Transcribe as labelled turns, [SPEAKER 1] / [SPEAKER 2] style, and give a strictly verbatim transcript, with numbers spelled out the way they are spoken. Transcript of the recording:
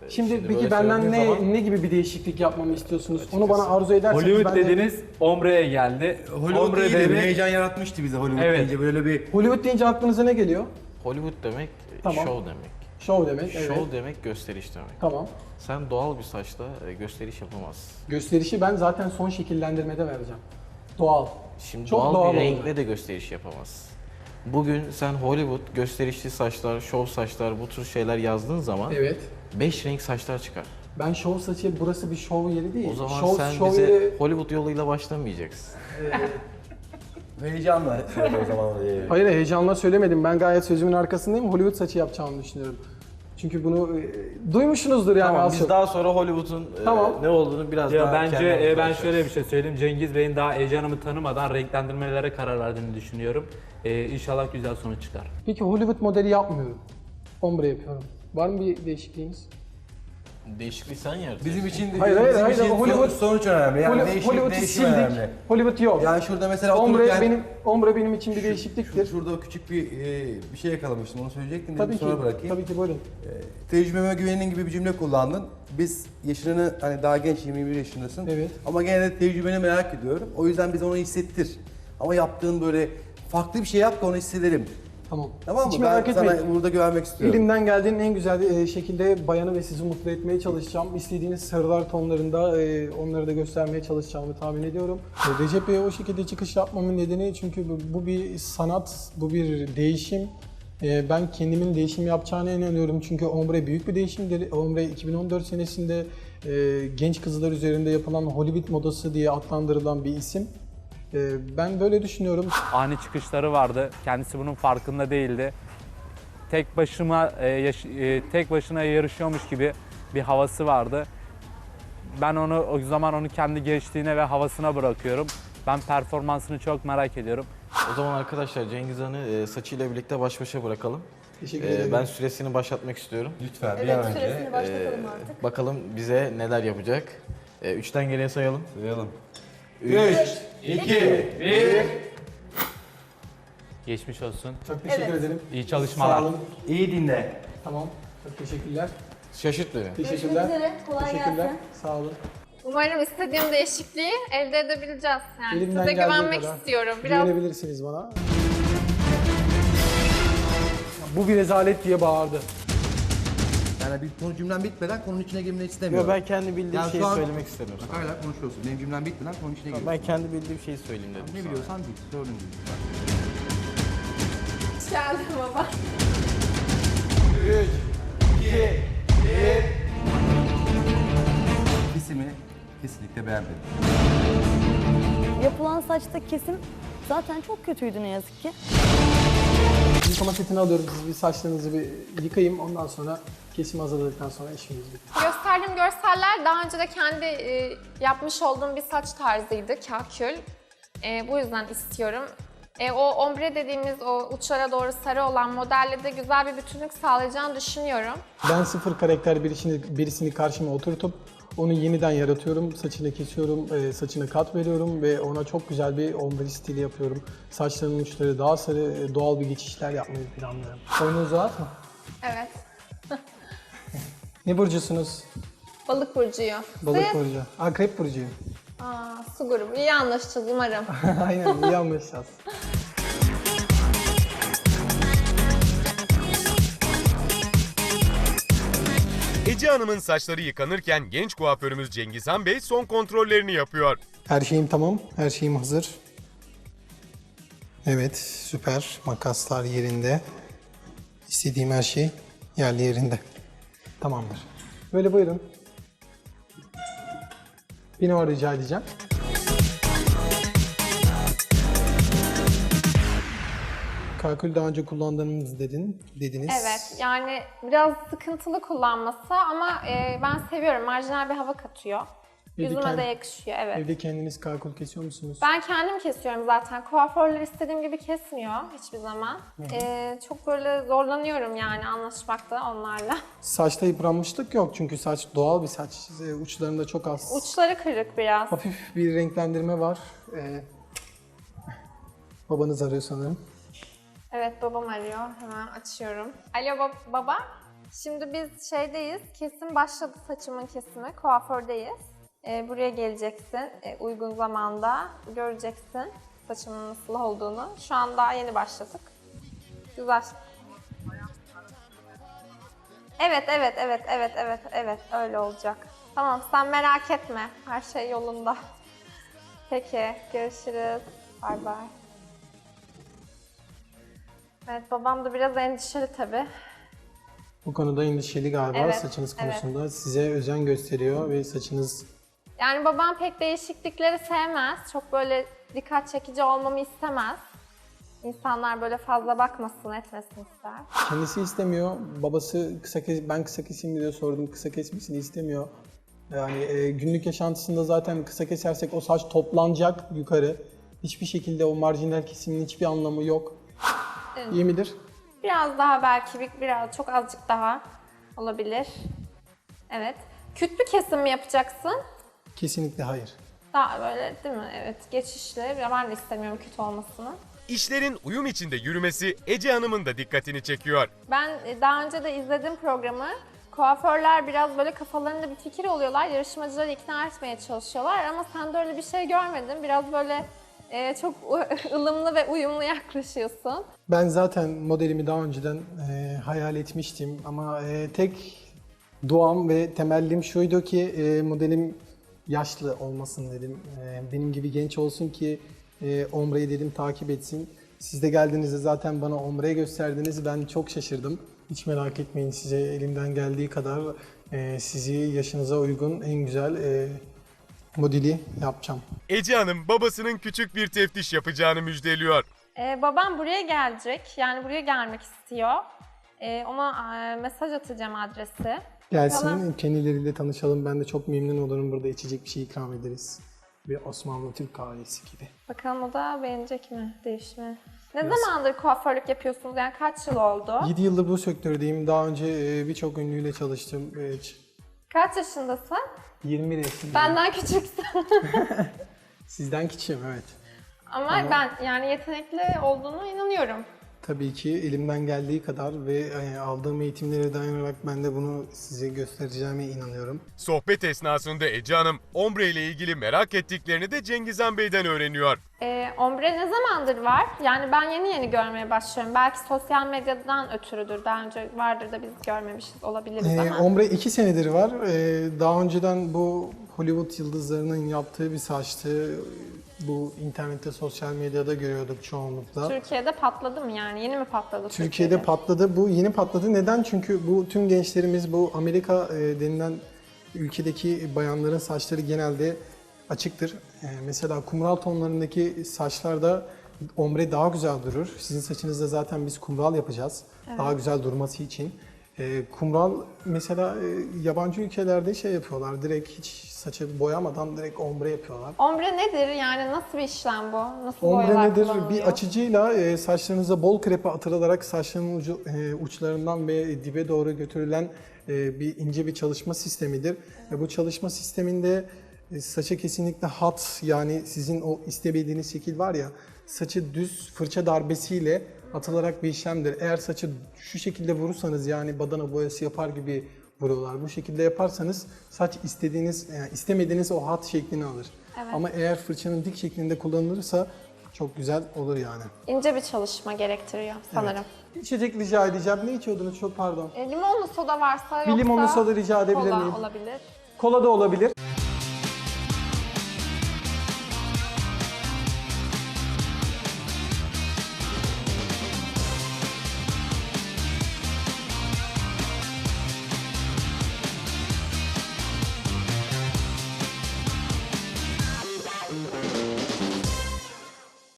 [SPEAKER 1] Şimdi,
[SPEAKER 2] Şimdi
[SPEAKER 1] peki
[SPEAKER 2] böyle
[SPEAKER 1] benden ne
[SPEAKER 2] söylediğin zaman-
[SPEAKER 1] ne gibi bir değişiklik yapmamı istiyorsunuz? Onu
[SPEAKER 2] Açıkçası
[SPEAKER 1] bana arzu ederseniz
[SPEAKER 3] Hollywood
[SPEAKER 1] ben de...
[SPEAKER 3] dediniz, Ombre'ye geldi.
[SPEAKER 4] Hollywood
[SPEAKER 3] Ombre
[SPEAKER 4] iyiydi, bir
[SPEAKER 3] demek-
[SPEAKER 4] heyecan yaratmıştı bize Hollywood
[SPEAKER 3] Evet.
[SPEAKER 4] deyince böyle bir...
[SPEAKER 1] Hollywood deyince aklınıza ne geliyor?
[SPEAKER 2] Hollywood demek
[SPEAKER 1] Tamam.
[SPEAKER 2] show demek.
[SPEAKER 1] Show demek, evet.
[SPEAKER 2] Show demek gösteriş demek.
[SPEAKER 1] Tamam.
[SPEAKER 2] Sen doğal bir saçla e, gösteriş yapamazsın.
[SPEAKER 1] Gösterişi ben zaten son şekillendirmede vereceğim. Doğal.
[SPEAKER 2] Şimdi
[SPEAKER 1] Çok
[SPEAKER 2] doğal,
[SPEAKER 1] doğal
[SPEAKER 2] bir
[SPEAKER 1] oldu.
[SPEAKER 2] renkle de gösteriş yapamazsın. Bugün sen Hollywood gösterişli saçlar, show saçlar bu tür şeyler yazdığın zaman
[SPEAKER 1] Evet.
[SPEAKER 2] beş renk saçlar çıkar.
[SPEAKER 1] Ben show saçı, burası bir show yeri değil.
[SPEAKER 2] O zaman
[SPEAKER 1] show,
[SPEAKER 2] sen
[SPEAKER 1] show
[SPEAKER 2] bize
[SPEAKER 1] yeri...
[SPEAKER 2] Hollywood yoluyla başlamayacaksın.
[SPEAKER 4] Heyecanla söyledi o zaman. e,
[SPEAKER 1] Hayır, heyecanla söylemedim. Ben gayet sözümün arkasındayım. Hollywood saçı yapacağımı düşünüyorum. Çünkü bunu e, duymuşsunuzdur yani
[SPEAKER 2] Tamam
[SPEAKER 1] az
[SPEAKER 2] biz
[SPEAKER 1] çok.
[SPEAKER 2] daha sonra Hollywood'un e,
[SPEAKER 1] Tamam.
[SPEAKER 2] ne olduğunu biraz
[SPEAKER 3] Ya
[SPEAKER 2] daha
[SPEAKER 3] bence
[SPEAKER 2] kendimiz
[SPEAKER 3] e, ben
[SPEAKER 2] konuşacağız.
[SPEAKER 3] şöyle bir şey söyleyeyim. Cengiz Bey'in daha Ece Hanım'ı tanımadan renklendirmelere karar verdiğini düşünüyorum. E, inşallah güzel sonuç çıkar.
[SPEAKER 1] Peki Hollywood modeli yapmıyorum. Ombre yapıyorum. Var mı bir değişikliğiniz?
[SPEAKER 2] Değişikliği sen yaratıyorsun.
[SPEAKER 4] Bizim için,
[SPEAKER 1] Hayır, hayır,
[SPEAKER 4] bizim
[SPEAKER 1] hayır,
[SPEAKER 4] için
[SPEAKER 1] Hollywood-
[SPEAKER 4] sonuç, sonuç önemli. Yani
[SPEAKER 1] Holly-
[SPEAKER 4] değişim,
[SPEAKER 1] Hollywood'u
[SPEAKER 4] değişim
[SPEAKER 1] sildik.
[SPEAKER 4] önemli.
[SPEAKER 1] Hollywood yok.
[SPEAKER 4] Yani şurada mesela
[SPEAKER 1] Ombre
[SPEAKER 4] otururken...
[SPEAKER 1] benim ombre benim için bir değişikliktir.
[SPEAKER 4] Şurada o küçük bir e, bir şey yakalamıştım, onu söyleyecektim dedim,
[SPEAKER 1] Tabii ki.
[SPEAKER 4] sonra bırakayım.
[SPEAKER 1] Tabii ki buyurun.
[SPEAKER 4] E, tecrübeme güvenin gibi bir cümle kullandın. Biz yaşını, hani daha genç, yirmi bir yaşındasın.
[SPEAKER 1] Evet.
[SPEAKER 4] Ama gene de tecrübeni merak ediyorum. O yüzden bize onu hissettir. Ama yaptığın böyle farklı bir şey yap da onu hissedelim.
[SPEAKER 1] Tamam.
[SPEAKER 4] Tamam mı?
[SPEAKER 1] Hiç
[SPEAKER 4] Ben
[SPEAKER 1] merak
[SPEAKER 4] sana
[SPEAKER 1] etmeyin.
[SPEAKER 4] burada güvenmek istiyorum.
[SPEAKER 1] Elimden geldiğinin en güzel e, şekilde bayanı ve sizi mutlu etmeye çalışacağım. İstediğiniz sarılar tonlarında e, onları da göstermeye çalışacağımı tahmin ediyorum. E, Recep Bey'e o şekilde çıkış yapmamın nedeni çünkü bu, bu bir sanat, bu bir değişim. E, ben kendimin değişim yapacağına inanıyorum çünkü Ombre büyük bir değişimdir. Ombre iki bin on dört senesinde e, genç kızlar üzerinde yapılan Hollywood modası diye adlandırılan bir isim. E, ben böyle düşünüyorum.
[SPEAKER 3] Ani çıkışları vardı. Kendisi bunun farkında değildi. Tek başıma e, yaş- e, tek başına yarışıyormuş gibi bir havası vardı. Ben onu o zaman onu kendi gençliğine ve havasına bırakıyorum. Ben performansını çok merak ediyorum.
[SPEAKER 2] O zaman arkadaşlar Cengiz Han'ı e, saçıyla birlikte baş başa bırakalım.
[SPEAKER 1] Teşekkür
[SPEAKER 2] E,
[SPEAKER 1] ederim.
[SPEAKER 2] ben süresini başlatmak istiyorum.
[SPEAKER 4] Lütfen bir
[SPEAKER 5] Evet,
[SPEAKER 4] an önce.
[SPEAKER 5] süresini başlatalım
[SPEAKER 2] E,
[SPEAKER 5] artık.
[SPEAKER 2] bakalım bize neler yapacak. E, üçten geriye sayalım.
[SPEAKER 4] Sayalım.
[SPEAKER 2] Üç.
[SPEAKER 4] iki, bir.
[SPEAKER 3] Geçmiş olsun.
[SPEAKER 1] Çok teşekkür
[SPEAKER 5] Evet.
[SPEAKER 1] ederim.
[SPEAKER 3] İyi çalışmalar.
[SPEAKER 1] Sağ olun.
[SPEAKER 4] İyi dinle.
[SPEAKER 1] Tamam. Çok teşekkürler.
[SPEAKER 2] Şaşırt beni.
[SPEAKER 5] Görüşmek
[SPEAKER 1] Teşekkürler.
[SPEAKER 5] üzere. Kolay
[SPEAKER 1] Teşekkürler.
[SPEAKER 5] gelsin.
[SPEAKER 1] Sağ olun.
[SPEAKER 6] Umarım istediğim değişikliği elde edebileceğiz. Yani
[SPEAKER 1] Elimden
[SPEAKER 6] size
[SPEAKER 1] geldiği
[SPEAKER 6] güvenmek
[SPEAKER 1] kadar.
[SPEAKER 6] istiyorum. Biraz
[SPEAKER 1] Güvenebilirsiniz bana. Bu bir rezalet diye bağırdı.
[SPEAKER 4] Yani bir konu cümlem bitmeden konunun içine girmeyi istemiyorum.
[SPEAKER 2] Yo, ben kendi bildiğim
[SPEAKER 4] Yani
[SPEAKER 2] şeyi
[SPEAKER 4] şu an-
[SPEAKER 2] söylemek istemiyorum.
[SPEAKER 4] Bak hala konuşuyorsun. Benim cümlem bitmeden konunun içine giriyorsun.
[SPEAKER 2] Ben kendi bildiğim şeyi söyleyeyim dedim.
[SPEAKER 4] Ne
[SPEAKER 2] sana.
[SPEAKER 4] biliyorsan bil. Sorun değil.
[SPEAKER 6] hoş geldin baba.
[SPEAKER 4] Kesimi kesinlikle beğenmedim.
[SPEAKER 5] Yapılan saçta kesim zaten çok kötüydü ne yazık ki.
[SPEAKER 1] Yıkama setini alıyorum. Siz bir saçlarınızı bir yıkayayım. Ondan sonra kesim hazırladıktan sonra işimiz bitti.
[SPEAKER 6] Gösterdiğim görseller daha önce de kendi e, yapmış olduğum bir saç tarzıydı, kakül. E, bu yüzden istiyorum. E, o ombre dediğimiz o uçlara doğru sarı olan modelle de güzel bir bütünlük sağlayacağını düşünüyorum.
[SPEAKER 1] Ben sıfır karakter birisini, birisini karşıma oturtup onu yeniden yaratıyorum. Saçını kesiyorum, e, saçına kat veriyorum ve ona çok güzel bir ombre stili yapıyorum. Saçlarının uçları daha sarı, e, doğal bir geçişler yapmayı planlıyorum. Boynunuzu rahat mı?
[SPEAKER 6] Evet.
[SPEAKER 1] Ne burcusunuz?
[SPEAKER 6] Balık burcuyu.
[SPEAKER 1] Balık
[SPEAKER 6] Siz?
[SPEAKER 1] burcu. Akrep burcuyum.
[SPEAKER 6] Aa, su grubu. İyi anlaşacağız umarım.
[SPEAKER 1] Aynen, iyi anlaşacağız.
[SPEAKER 7] Ece Hanım'ın saçları yıkanırken genç kuaförümüz Cengizhan Bey son kontrollerini yapıyor.
[SPEAKER 1] Her şeyim tamam, her şeyim hazır. Evet, süper. Makaslar yerinde. İstediğim her şey yerli yerinde. Tamamdır. Böyle buyurun. Bir numara rica edeceğim. Kakül daha önce kullandığınız dedin, dediniz.
[SPEAKER 6] Evet, yani biraz sıkıntılı kullanması ama e, ben seviyorum. Marjinal bir hava katıyor.
[SPEAKER 1] Evde
[SPEAKER 6] Yüzüme
[SPEAKER 1] kendi-
[SPEAKER 6] de yakışıyor, evet.
[SPEAKER 1] Evde kendiniz kakül kesiyor musunuz?
[SPEAKER 6] Ben kendim kesiyorum zaten. Kuaförler istediğim gibi kesmiyor hiçbir zaman. E, çok böyle zorlanıyorum yani anlaşmakta onlarla.
[SPEAKER 1] Saçta yıpranmışlık yok çünkü saç doğal bir saç. Ee, Uçlarında çok az.
[SPEAKER 6] Uçları kırık biraz.
[SPEAKER 1] Hafif bir renklendirme var. Ee, babanız arıyor sanırım.
[SPEAKER 6] Evet, babam arıyor. Hemen açıyorum. Alo bab- baba. Şimdi biz şeydeyiz, kesim başladı saçımın kesimi, kuafördeyiz. Ee, buraya geleceksin, ee, uygun zamanda göreceksin saçımın nasıl olduğunu. Şu an daha yeni başladık. Güzel. Evet, evet, evet, evet, evet, evet, öyle olacak. Tamam, sen merak etme, her şey yolunda. Peki, görüşürüz. Bay bay. Evet, babam da biraz endişeli tabii.
[SPEAKER 1] Bu konuda endişeli galiba
[SPEAKER 6] Evet,
[SPEAKER 1] saçınız
[SPEAKER 6] evet.
[SPEAKER 1] konusunda. Size özen gösteriyor ve saçınız...
[SPEAKER 6] Yani babam pek değişiklikleri sevmez. Çok böyle dikkat çekici olmamı istemez. İnsanlar böyle fazla bakmasın, etmesin ister.
[SPEAKER 1] Kendisi istemiyor. Babası kısa kes, ben kısa keseyim diye sordum. Kısa kesmesini istemiyor. Yani e, günlük yaşantısında zaten kısa kesersek o saç toplanacak yukarı. Hiçbir şekilde o marjinal kesimin hiçbir anlamı yok.
[SPEAKER 6] Evet.
[SPEAKER 1] İyi midir?
[SPEAKER 6] Biraz daha belki bir, biraz çok azıcık daha olabilir. Evet. Küt bir kesim mi yapacaksın?
[SPEAKER 1] Kesinlikle hayır.
[SPEAKER 6] Daha böyle değil mi? Evet, geçişli. Ben de istemiyorum küt olmasını.
[SPEAKER 7] İşlerin uyum içinde yürümesi Ece Hanım'ın da dikkatini çekiyor.
[SPEAKER 6] Ben e, daha önce de izledim programı. Kuaförler biraz böyle kafalarında bir fikir oluyorlar. Yarışmacıları ikna etmeye çalışıyorlar ama sende öyle bir şey görmedim. Biraz böyle e, çok ılımlı ve uyumlu yaklaşıyorsun.
[SPEAKER 1] Ben zaten modelimi daha önceden e, hayal etmiştim ama e, tek duam ve temellim şuydu ki e, modelim yaşlı olmasın dedim. E, benim gibi genç olsun ki e, Ombre'yi dedim takip etsin. Siz de geldiğinizde zaten bana Ombre'yi gösterdiniz. Ben çok şaşırdım. Hiç merak etmeyin, size elimden geldiği kadar e, sizi yaşınıza uygun en güzel e, modeli yapacağım.
[SPEAKER 7] Ece Hanım babasının küçük bir teftiş yapacağını müjdeliyor.
[SPEAKER 6] Ee, babam buraya gelecek. Yani buraya gelmek istiyor. Ee, ona e, mesaj atacağım adresi.
[SPEAKER 1] Gelsin,
[SPEAKER 6] Tamam.
[SPEAKER 1] kendileriyle tanışalım. Ben de çok memnun olurum. Burada içecek bir şey ikram ederiz. Bir Osmanlı Türk kahvesi gibi.
[SPEAKER 6] Bakalım o da beğenecek mi değişimi? Ne zamandır kuaförlük yapıyorsunuz? Yani kaç yıl oldu?
[SPEAKER 1] yedi yıldır bu sektördeyim. Daha önce e, birçok ünlüyle çalıştım. E,
[SPEAKER 6] Kaç yaşındasın?
[SPEAKER 1] yirmi yaşındayım.
[SPEAKER 6] Benden küçüksün.
[SPEAKER 1] Sizden küçüğüm, evet.
[SPEAKER 6] Ama, ben yani yetenekli olduğuna inanıyorum.
[SPEAKER 1] Tabii ki elimden geldiği kadar ve e, aldığım eğitimlere dayanarak ben de bunu size göstereceğime inanıyorum.
[SPEAKER 7] Sohbet esnasında Ece Hanım ombre ile ilgili merak ettiklerini de Cengizhan Bey'den öğreniyor.
[SPEAKER 6] Ee, ombre ne zamandır var? Yani ben yeni yeni görmeye başlıyorum. Belki sosyal medyadan ötürüdür. Daha önce vardır da biz görmemişiz olabiliriz
[SPEAKER 1] E,
[SPEAKER 6] ama.
[SPEAKER 1] ombre iki senedir var. E, daha önceden bu Hollywood yıldızlarının yaptığı bir saçtı. Bu internette, sosyal medyada görüyorduk çoğunlukla.
[SPEAKER 6] Türkiye'de patladı mı yani? Yeni mi patladı
[SPEAKER 1] Türkiye'de
[SPEAKER 6] Türkiye'de?
[SPEAKER 1] patladı. Bu yeni patladı. Neden? Çünkü bu tüm gençlerimiz bu Amerika e, denilen ülkedeki bayanların saçları genelde açıktır. E, mesela kumral tonlarındaki saçlarda ombre daha güzel durur. Sizin saçınızda zaten biz kumral yapacağız. Daha güzel durması için. E, kumral mesela e, yabancı ülkelerde şey yapıyorlar. Direkt hiç saçı boyamadan direkt ombre yapıyorlar.
[SPEAKER 6] Ombre nedir? Yani nasıl bir işlem bu? Nasıl
[SPEAKER 1] Ombre
[SPEAKER 6] boyalar
[SPEAKER 1] nedir?
[SPEAKER 6] kullanılıyor?
[SPEAKER 1] Bir açıcıyla e, saçlarınıza bol krepe atılarak saçların ucu, e, uçlarından ve dibe doğru götürülen e, bir ince bir çalışma sistemidir. Ve bu çalışma sisteminde e, saça kesinlikle hat, yani sizin o istemediğiniz şekil var ya, saçı düz fırça darbesiyle atılarak bir işlemdir. Eğer saçı şu şekilde vurursanız, yani badana boyası yapar gibi vuruyorlar. Bu şekilde yaparsanız saç istediğiniz, yani istemediğiniz o hat şeklini alır.
[SPEAKER 6] Evet.
[SPEAKER 1] Ama eğer fırçanın dik şeklinde kullanılırsa çok güzel olur yani.
[SPEAKER 6] İnce bir çalışma gerektiriyor sanırım.
[SPEAKER 1] İçecek rica edeceğim. Ne içiyordunuz? Çok pardon.
[SPEAKER 6] E, limonlu soda varsa
[SPEAKER 1] Bir
[SPEAKER 6] yoksa
[SPEAKER 1] limonlu soda rica edebilir
[SPEAKER 6] kola
[SPEAKER 1] miyim?
[SPEAKER 6] olabilir.
[SPEAKER 1] Kola da olabilir.